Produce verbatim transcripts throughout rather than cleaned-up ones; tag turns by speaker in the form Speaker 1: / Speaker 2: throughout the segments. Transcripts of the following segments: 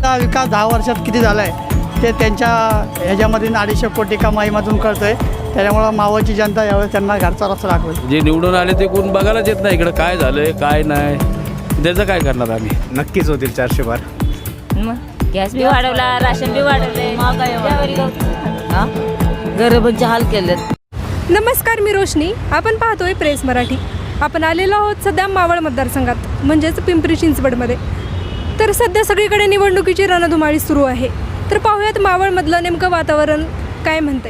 Speaker 1: हा विकास दहा वर्षात किती झाला आहे ते त्यांच्या ह्याच्यामध्ये अडीचशे कोटी कमाईमधून कळतं आहे. त्याच्यामुळं मावळची जनता यावेळेस त्यांना घरचा रस्ता दाखवेल.
Speaker 2: जे निवडून आले ते कोण बघायलाच येत नाही इकडं काय झालं आहे काय नाही, त्याचं काय करणार आम्ही.
Speaker 3: नक्कीच होतील चारशे बार.
Speaker 4: मग गॅस बी वाढवला, राशन बी वाढवले, हां गरिबांचे हाल केलेत.
Speaker 5: नमस्कार, मी रोशनी. आपण पाहतोय प्रेस मराठी. आपण आलेलो आहोत सध्या मावळ मतदारसंघात म्हणजेच पिंपरी चिंचवडमध्ये. तर सध्या सगळीकडे निवडणुकीची रणधुमाळी सुरू आहे. तर पाहूयात मावळमधलं नेमकं वातावरण काय म्हणते.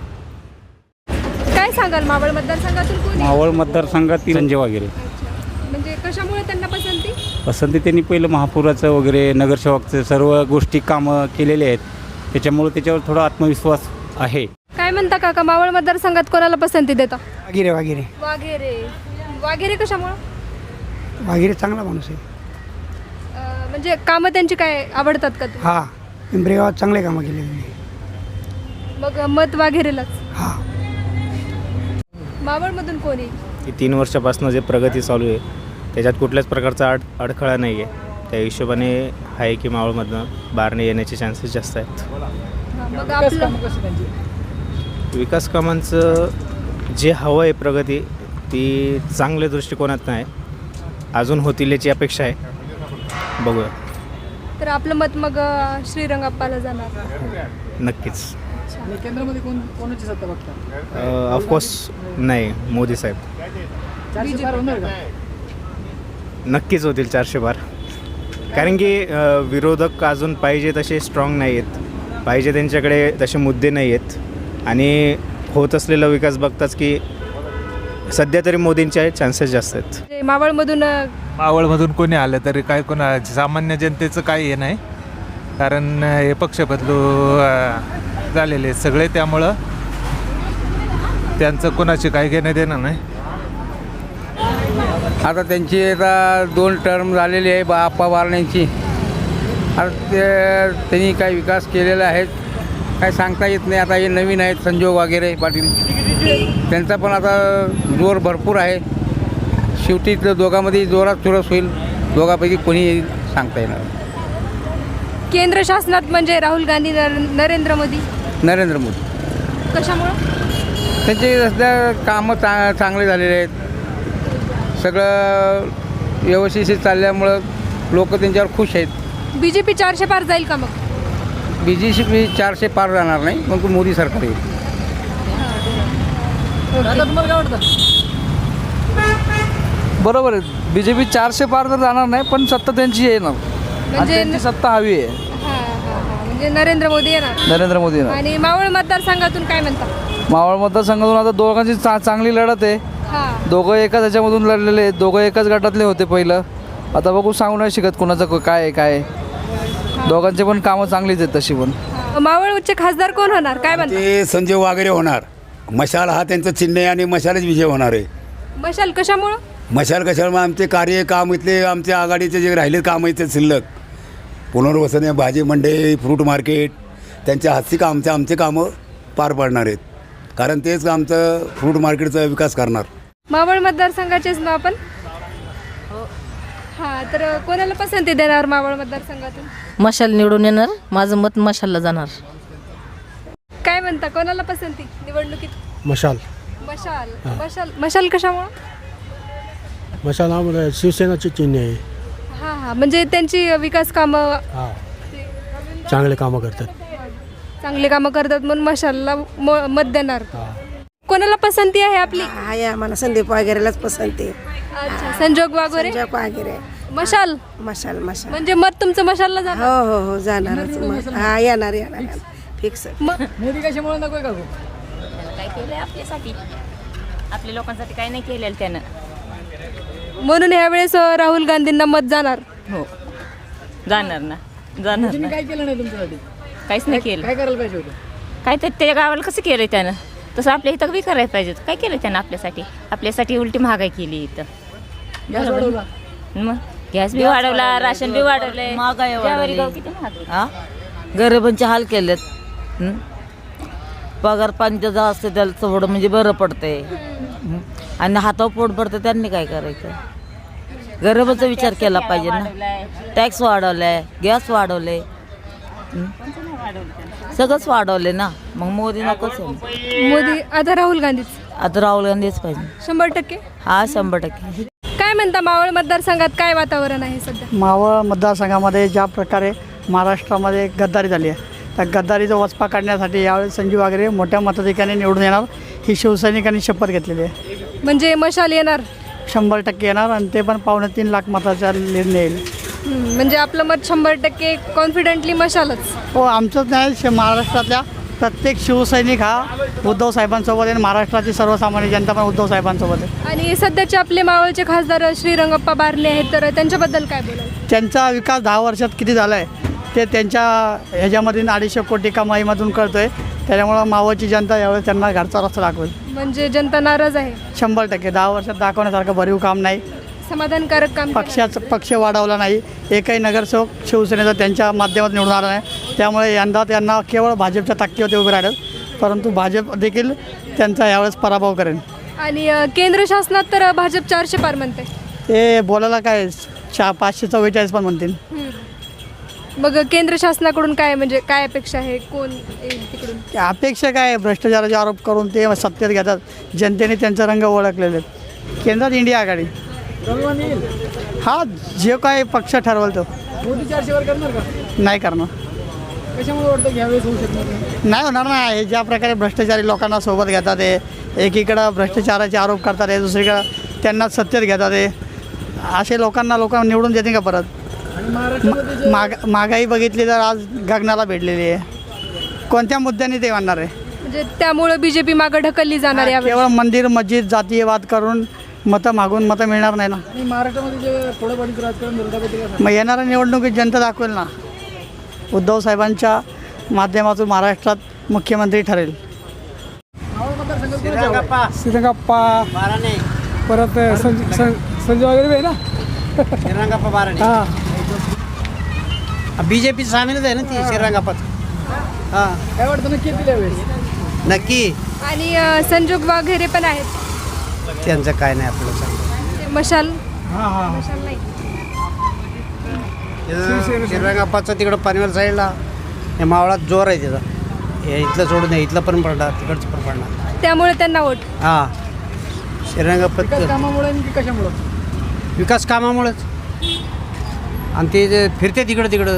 Speaker 5: काय सांगाल मावळ मतदारसंघातून कोण?
Speaker 6: मावळ मतदारसंघातील संजय वाघेरे.
Speaker 5: म्हणजे कशामुळे त्यांना पसंती?
Speaker 6: पसंती त्यांनी पहिलं महापुराचं वगैरे नगरसेवकचं सर्व गोष्टी कामं केलेले आहेत, त्याच्यामुळे त्याच्यावर थोडा आत्मविश्वास आहे.
Speaker 5: काय म्हणता काका, मावळ मतदारसंघात कोणाला पसंती देता?
Speaker 7: वाघेरे वाघेरे
Speaker 5: वाघेरे. वाघेरे कशामुळं?
Speaker 7: वाघेरे चांगला माणूस आहे.
Speaker 5: अं, म्हणजे कामं त्यांची काय आवडतात का तुम्ही?
Speaker 7: हा, पिंपरी गावात चांगले कामं केले त्यांनी.
Speaker 5: मग मत वाघेरेलाच.
Speaker 7: हा,
Speaker 5: मावळमधून कोण येईल?
Speaker 3: ही तीन वर्षापासून जे प्रगती चालू आहे त्याच्यात कुठल्याच प्रकारचा अड अडखळा नाही आहे. त्या हिशोबाने आहे की मावळमधनं बारणे येण्याचे चान्सेस जास्त आहेत.
Speaker 5: मग आपलं
Speaker 3: विकास कामांचं जे हवं आहे प्रगती ती चांगल्या दृष्टिकोनात नाही, अजून होतील याची अपेक्षा आहे. बघूया.
Speaker 5: तर आपलं मत मग अं, श्रीरंगाप्पाला जाणार.
Speaker 3: नक्कीच.
Speaker 8: केंद्रामध्ये कोण कोणाची सत्ता बघता?
Speaker 3: ऑफकोर्स नाही, मोदी साहेब.
Speaker 8: चारशे बार होणार का?
Speaker 3: नक्कीच होतील चारशे बार. कारण की अ, विरोधक अजून पाहिजे तसे स्ट्रॉंग नाही आहेत, पाहिजे त्यांच्याकडे तसे मुद्दे नाही आहेत. आणि होत असलेला विकास बघताच की सध्या तरी मोदींचे चान्सेस जास्त आहेत.
Speaker 5: म्हणजे मावळमधून अं,
Speaker 9: मावळमधून कोणी आलं तरी काय कोणा सामान्य जनतेचं काही हे नाही, कारण हे पक्ष बदलू अ, झालेले आहेत सगळे, त्यामुळं त्यांचं कोणाची काही घेणं देणं नाही.
Speaker 10: आता त्यांची आता दोन टर्म झालेली आहे बा आप्पा बारण्यांची. आता ते त्यांनी काही विकास केलेला आहे काय सांगता येत नाही. आता हे नवीन आहेत संजय वाघेरे पाटील, त्यांचा पण आता जोर भरपूर आहे. शेवटी दोघांमध्ये जोरात चुरस होईल, दोघांपैकी कोणी येईल सांगता येणार.
Speaker 5: केंद्र शासनात म्हणजे राहुल गांधी, नर नरेंद्र मोदी.
Speaker 10: नरेंद्र मोदी.
Speaker 5: कशामुळं?
Speaker 10: त्यांचे सध्या कामं चा चांगले झालेले आहेत, सगळं व्यवस्थित चालल्यामुळं लोक त्यांच्यावर खुश आहेत.
Speaker 5: बी जे पी चारशे पार जाईल का? मग
Speaker 10: बी जे पी चारशे पार जाणार नाही, मग मोदी सरकार येईल.
Speaker 8: आता तुम्हाला काय वाटतं?
Speaker 11: बरोबर आहे, बी जे पी चारशे पार तर जाणार नाही, पण सत्ता त्यांची येणार.
Speaker 5: म्हणजे
Speaker 11: त्यांची सत्ता हवी आहे.
Speaker 5: हां हां हां म्हणजे नरेंद्र मोदी येणार.
Speaker 11: नरेंद्र मोदी येणार.
Speaker 5: आणि मावळ मतदारसंघातून काय म्हणता?
Speaker 11: मावळ मतदारसंघातून आता दोघांची चा चांगली लढत आहे.
Speaker 5: हां,
Speaker 11: दोघं एकाच ह्याच्यामधून लढलेले आहेत, दोघं एकाच गटातले होते पहिलं. आता बघू, सांगू नाही शिकत कोणाचं काय आहे काय आहे. दोघांचे पण कामं चांगलीच आहेत तशी पण.
Speaker 5: मावळचे खासदार कोण होणार काय म्हणता?
Speaker 12: ते संजय वाघेरे होणार. मशाल हा त्यांचं चिन्ह आहे आणि मशालच विजय होणार आहे.
Speaker 5: मशाल कशामुळं?
Speaker 12: मशाल कशामुळे आमचे कार्य काम इथले आमच्या आघाडीचे जे राहिले काम इथे शिल्लक पुनर्वसन, भाजी मंडई, फ्रूट मार्केट, त्यांच्या हातची का आमच्या आमचे कामं पार पाडणार आहेत. कारण तेच आमचं फ्रूट मार्केटचा विकास करणार.
Speaker 5: मावळ मतदारसंघाचेच ना आपण? हां, तर कोणाला पसंती देणार मावळ मतदारसंघातून?
Speaker 4: मशाल निवडून येणार, माझं मत मशालला जाणार.
Speaker 5: काय म्हणता, कोणाला पसंती निवडणुकीत?
Speaker 7: मशाल.
Speaker 5: मशाल. मशाल मशाल कशामुळं?
Speaker 7: मशाल हा शिवसेनाचे चिन्ह आहे.
Speaker 5: हां हां म्हणजे त्यांची विकास कामं
Speaker 7: हा, चांगले कामं करतात.
Speaker 5: चांगली कामं करतात म्हणून मशालला म- मत देणार. कोणाला पसंती आहे आपली?
Speaker 13: आहे आम्हाला संदीप वाघेरेलाच पसंती.
Speaker 5: अच्छा, संजोग वागोरे.
Speaker 13: संजय वाघेरे.
Speaker 5: मशाल.
Speaker 13: मशाल मशाल
Speaker 5: म्हणजे मत तुमचं मशालला जाणार.
Speaker 13: हो हो हो जाणारच मग. हा येणार येणार फिक्स.
Speaker 8: मोदी कशामुळे नको का?
Speaker 4: काय केलंय आपल्यासाठी, आपल्या लोकांसाठी काय नाही केलेलं त्यानं,
Speaker 5: म्हणून ह्यावेळेस अं, राहुल गांधींना मत जाणार.
Speaker 4: हो जाणार ना, जाणार
Speaker 8: तुम्ही
Speaker 4: ना.
Speaker 8: काय केलं नाही तुमच्यासाठी?
Speaker 4: काहीच नाही केलं.
Speaker 8: काय करायला पाहिजे होतं?
Speaker 4: काय तर त्या गावाला कसं केलं त्यानं, तसं आपल्या इथं बी करायला पाहिजे. काय केलं त्यानं आपल्यासाठी? आपल्यासाठी उलटी महागाई केली इथं.
Speaker 8: गॅस वाढवला.
Speaker 4: मग गॅस बी वाढवला, राशन बी वाढवले,
Speaker 13: महागाई वाढवली.
Speaker 4: किती महाग.
Speaker 13: गरिबांचे हाल केलेत. हं? पगार पाणी असते त्याला थोडं म्हणजे बरं पडते. आणि हातावर पोट पडतं, त्यांनी काय करायचं? गरिबाचा विचार केला पाहिजे ना. टॅक्स वाढवलाय, गॅस वाढवले,
Speaker 4: हं? सगळंच वाढवले ना, मग मोदी नकोच आहे.
Speaker 5: मोदी आता राहुल गांधीच
Speaker 4: आता राहुल गांधीच पाहिजे.
Speaker 5: शंभर टक्के.
Speaker 4: हा शंभर टक्के.
Speaker 5: काय म्हणता मावळ मतदारसंघात काय वातावरण आहे सध्या?
Speaker 1: मावळ मतदारसंघामध्ये ज्या प्रकारे महाराष्ट्रामध्ये गद्दारी झाली आहे, त्या गद्दारीचा वचपा काढण्यासाठी यावेळी संजीव वागरे मोठ्या मताधिक्याने निवडून येणार ही शिवसैनिकांनी शपथ घेतलेली आहे.
Speaker 5: म्हणजे मशाल येणार.
Speaker 1: शंभर टक्के येणार आणि ते पण पावणे तीन लाख मताचा निर्णय येईल.
Speaker 5: हं, म्हणजे आपलं मत शंभर टक्के कॉन्फिडेंटली मशालच.
Speaker 1: हो, आमचंच नाही, श महाराष्ट्रातल्या प्रत्येक शिवसैनिक हा उद्धव साहेबांसोबत आहे. महाराष्ट्राची सर्वसामान्य जनता पण उद्धव साहेबांसोबत आहे.
Speaker 5: आणि सध्याचे आपले मावळचे खासदार श्रीरंगप्पा बारणे आहेत, तर त्यांच्याबद्दल काय बोलाल?
Speaker 1: त्यांचा विकास दहा वर्षात किती झाला आहे ते त्यांच्या ह्याच्यामधून अडीचशे कोटी कमाईमधून कळतो आहे. त्याच्यामुळं मावळची जनता यावेळेस त्यांना घरचा रस्ता दाखवेल.
Speaker 5: म्हणजे जनता नाराज आहे.
Speaker 1: शंभर टक्के दहा वर्षात दाखवण्यासारखं भरीव काम नाही.
Speaker 5: समाधानकारक काम.
Speaker 1: पक्षाचं पक्ष वाढवला नाही. एकही नगरसेवक शिवसेनेचा त्यांच्या माध्यमातून निवडून आला नाही. त्यामुळे यंदा त्यांना केवळ भाजपच्या ताकदीवरती उभे राहिलं, परंतु भाजप देखील त्यांचा यावेळेस पराभव करेल.
Speaker 5: आणि अ, केंद्र शासनात तर भाजप चारशे पार म्हणते.
Speaker 1: ते बोलायला काय चा पाचशे चव्वेचाळीस पण म्हणतील.
Speaker 5: हं. मग केंद्र शासनाकडून काय म्हणजे काय अपेक्षा आहे? कोण येईल तिकडून?
Speaker 1: अपेक्षा काय, भ्रष्टाचाराचे आरोप करून ते सत्तेत घेतात. जनतेने त्यांचा रंग ओळखलेले आहेत. केंद्रात इंडिया आघाडी हा जे काय पक्ष ठरवल तो.
Speaker 8: मोदी चारशेवर करणार का?
Speaker 1: नाही करणार.
Speaker 8: कशामुळे वाटतं की ह्यावेळेस होऊ शकणार नाही?
Speaker 1: नाही होणार ना. हे ज्या प्रकारे भ्रष्टाचारी लोकांना सोबत घेतात आहे, एकीकडं भ्ष्टाचाराचे आरोप करतात आहे, दुसरीकडं त्यांना सत्तेत घेतात आहे, असे लोकांना लोक निवडून देते का परत?
Speaker 8: आणि महाराष्ट्रामध्ये जे
Speaker 1: महाग महागाई बघितली तर आज गगनाला भेटलेली आहे. कोणत्या मुद्द्याने ते म्हणणार आहे?
Speaker 5: म्हणजे त्यामुळे बीजेपी मागं ढकलली जाणार यावेळी.
Speaker 1: केवळ मंदिर मस्जिद जातीयवाद करून मतं मागून मतं मिळणार नाही ना.
Speaker 8: आणि महाराष्ट्रामध्ये जे फोडाफोडीचं राजकारण झालं त्याबद्दल काय सांगाल?
Speaker 1: मग येणाऱ्या निवडणुकीत जनता दाखवेल ना. उद्धव साहेबांच्या माध्यमातून महाराष्ट्रात मुख्यमंत्री ठरेल.
Speaker 8: मावळ मतदारसंघात कोणाची हवा आहे?
Speaker 7: श्रीरंगप्पा परत संजय वगैरे आहे ना.
Speaker 1: श्रीरंगप्पा बाराणे.
Speaker 7: हां
Speaker 1: बी जे पी सामीलच आहे ना ती श्रीरंगप्पाच. हां
Speaker 8: काय वाटतं नक्की येतील यावेळेस?
Speaker 1: नक्की.
Speaker 5: आणि अ, संजोग वगैरे पण आहेत.
Speaker 1: त्यांचं काय नाही आपलं सांग.
Speaker 5: ते मशाल.
Speaker 7: हां हां
Speaker 5: मशाल नाही.
Speaker 1: श्रीरंगप्पाचं तिकडं पनवेल साईडला हे मावळात जोर आहे त्याचा. हे इथलं सोडून नाही, इथलं पण पडणार, तिकडचं पण पडणार.
Speaker 5: त्यामुळे त्यांना वोट.
Speaker 1: हां श्रीरंगप्पा
Speaker 8: विकास कामामुळे की कशामुळे?
Speaker 1: विकास कामामुळेच. आणि ते जे फिरते तिकडं तिकडं.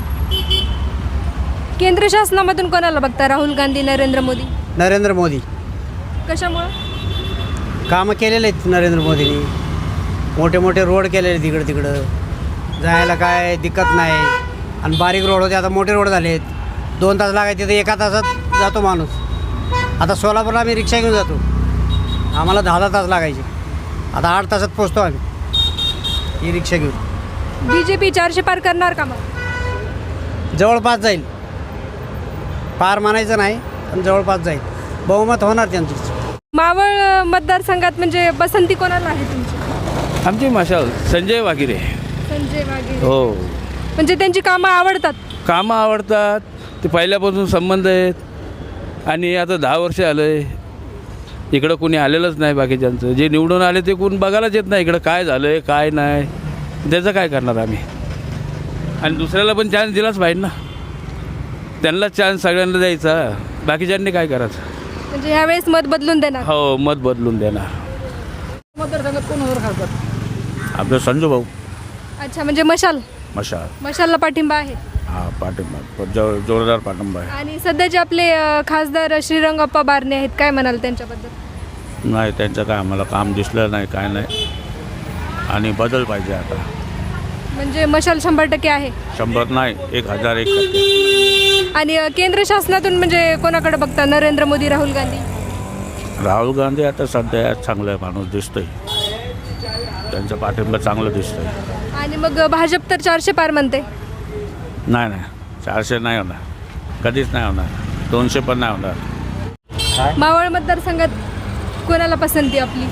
Speaker 5: केंद्र शासनामधून कोणाला बघता? राहुल गांधी, नरेंद्र मोदी?
Speaker 1: नरेंद्र मोदी.
Speaker 5: कशामुळं?
Speaker 1: कामं केलेले आहेत नरेंद्र मोदींनी. मोठे मोठे रोड केलेले तिकडं तिकडं, जायला काय दिक्कत नाही. आणि बारीक रोड होते, आता मोठे रोड झाले आहेत. दोन तास लागायचे तर एका तासात जातो माणूस. आता सोलापूरला आम्ही रिक्षा घेऊन जातो, आम्हाला दहा दहा तास लागायचे, आता आठ तासात पोचतो आम्ही ही रिक्षा घेऊन.
Speaker 5: बीजेपी चारशे पार करणार का मग?
Speaker 1: जवळपास जाईल. पार मानायचं नाही, पण जवळपास जाईल. बहुमत होणार त्यांचं.
Speaker 5: मावळ मतदारसंघात म्हणजे पसंती कोणाला आहे तुमची?
Speaker 2: आमची मशाल संजय वागिरे.
Speaker 5: संजय वाघेरे.
Speaker 2: हो,
Speaker 5: म्हणजे त्यांची कामं आवडतात.
Speaker 2: कामं आवडतात, ते पहिल्यापासून संबंध आहेत. आणि आता दहा वर्ष आलं आहे इकडं कोणी आलेलंच नाही. बाकीच्यांचं जे निवडून आले ते कोण बघायलाच येत नाही इकडं काय झालं आहे काय नाही. त्याचं काय करणार आम्ही? आणि दुसऱ्याला पण चान्स दिलाच पाहिजे ना. त्यांनाच चान्स सगळ्यांना द्यायचा, बाकीच्यांनी काय करायचं?
Speaker 5: म्हणजे ह्यावेळेस मत बदलून देणार.
Speaker 2: हो, मत बदलून देणार.
Speaker 8: मतदारसंघात कोण होणार खासदार?
Speaker 2: आपलं संजू भाऊ.
Speaker 5: अच्छा, म्हणजे मशाल.
Speaker 2: मशाल.
Speaker 5: मशालला पाठिंबा आहे.
Speaker 2: हा, पाठिंबा जो जोरदार पाठिंबा आहे.
Speaker 5: आणि सध्याचे आपले अ, खासदार श्रीरंगप्पा बारणे आहेत, काय म्हणाल त्यांच्याबद्दल?
Speaker 2: नाही, त्यांचं काय आम्हाला काम दिसलं नाही, काय नाही. आणि बदल पाहिजे आता.
Speaker 5: म्हणजे मशाल शंभर टक्के आहे.
Speaker 2: शंभर नाही, एक हजार एक टक्के.
Speaker 5: आणि अ, केंद्र शासनातून म्हणजे कोणाकडे बघता? नरेंद्र मोदी, राहुल गांधी?
Speaker 2: राहुल गांधी आता सध्या चांगलं माणूस दिसतोय, त्यांचं पाठिंबा चांगलं दिसतंय.
Speaker 5: आणि मग भाजप तर चारशे पार म्हणते.
Speaker 2: नाही नाही, चारशे नाही होणार, कधीच नाही होणार. दोनशे पण नाही होणार.
Speaker 5: मावळ मतदारसंघात कोणाला पसंती आपली?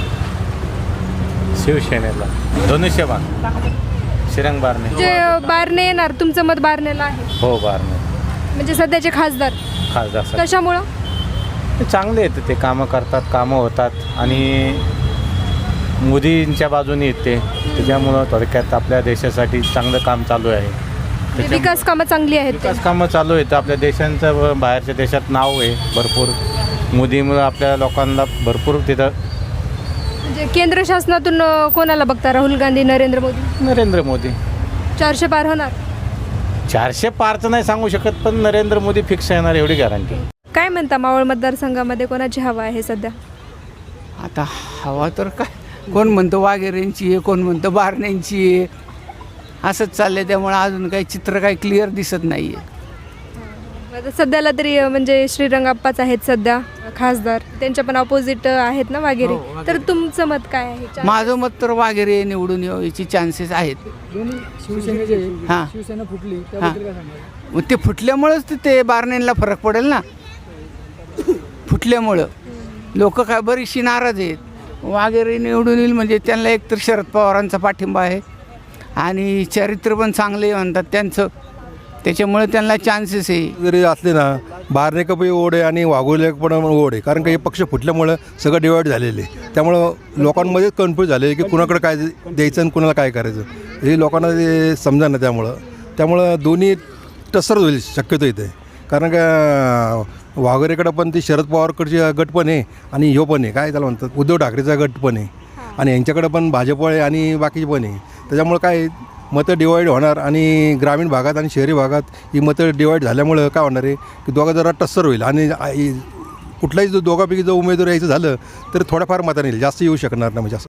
Speaker 3: शिवसेनेला धनुष्य बाण श्रीरंग बारणे.
Speaker 5: जे बारणे येणार, तुमचं मत बारणेला आहे?
Speaker 3: हो, बारणे
Speaker 5: म्हणजे सध्याचे खासदार.
Speaker 3: खासदार
Speaker 5: कशामुळं?
Speaker 3: चांगले आहेत, ते कामं करतात, कामं होतात आणि मोदींच्या बाजूने येते. त्याच्यामुळं थोडक्यात आपल्या देशासाठी चांगलं काम चालू आहे.
Speaker 5: म्हणजे विकास कामं चांगली आहेत ते.
Speaker 3: विकास कामं चालू आहेत. आपल्या देशांचं व बाहेरच्या देशात नाव आहे भरपूर. मोदीमुळं आपल्या लोकांना भरपूर तिथं.
Speaker 5: म्हणजे केंद्र शासनातून अ, कोणाला बघता, राहुल गांधी, नरेंद्र मोदी?
Speaker 3: नरेंद्र मोदी.
Speaker 5: चारशे पार होणार?
Speaker 3: चारशे पारचं नाही सांगू शकत, पण नरेंद्र मोदी फिक्स येणार एवढी गॅरंटी.
Speaker 5: काय म्हणता मावळ मतदारसंघामध्ये कोणाची हवा आहे सध्या?
Speaker 10: आता हवा तर काय, कोण म्हणतं वाघेरेंची आहे, कोण म्हणतं बारण्यांची आहे, असंच चाललंय. त्यामुळे अजून काही चित्र काही क्लिअर दिसत नाही आहे.
Speaker 5: आता सध्याला तरी अ, म्हणजे श्रीरंगाप्पाच आहेत सध्या खासदार, त्यांच्या पण ऑपोजिट आहेत ना वाघेरे. तर तुमचं मत काय आहे?
Speaker 10: माझं मत तर वाघेरे निवडून यायची चान्सेस आहेत.
Speaker 8: दोन्ही शिवसेनेचे
Speaker 10: हां.
Speaker 8: शिवसेना फुटली त्याबद्दल काय सांगाल?
Speaker 10: मग ते फुटल्यामुळंच ते- ते बारण्यांना फरक पडेल ना. फुटल्यामुळं लोक काय बरीचशी नाराज आहेत. वाघेरे निवडून येईल म्हणजे त्यांना एकतर शरद पवारांचा पाठिंबा आहे आणि चरित्र पण चांगले म्हणतात त्यांचं, त्याच्यामुळे त्यांना चान्सेस आहे.
Speaker 14: जरी असले ना, बारनेकपही ओढ आहे आणि वाघोले पण ओढ आहे, कारण का हे पक्ष फुटल्यामुळं सगळं डिवाईड झालेले आहे. त्यामुळं लोकांमध्ये कन्फ्यूज झाले आहे की कुणाकडे काय द्यायचं आणि कुणाला काय करायचं हे लोकांना ते समजा ना. त्यामुळं त्यामुळं दोन्ही टसर होईल शक्यतो इथे, कारण का वाघोरेकडं पण ती शरद पवारकडची गट पण आहे आणि ह्यो पण आहे, काय त्याला म्हणतात, उद्धव ठाकरेचा गट पण आहे आणि यांच्याकडं पण भाजप आहे आणि बाकीचे पण आहे. त्याच्यामुळं काय मतं डिवाईड होणार आणि ग्रामीण भागात आणि शहरी भागात ही मतं डिवाईड झाल्यामुळं काय होणार आहे की दोघं जरा टस्सर होईल आणि कुठलाही जो दोघापैकी जो उमेदवार यायचं झालं तर थोड्याफार मतांनी येईल, जास्त येऊ शकणार नाही म्हणजे असं.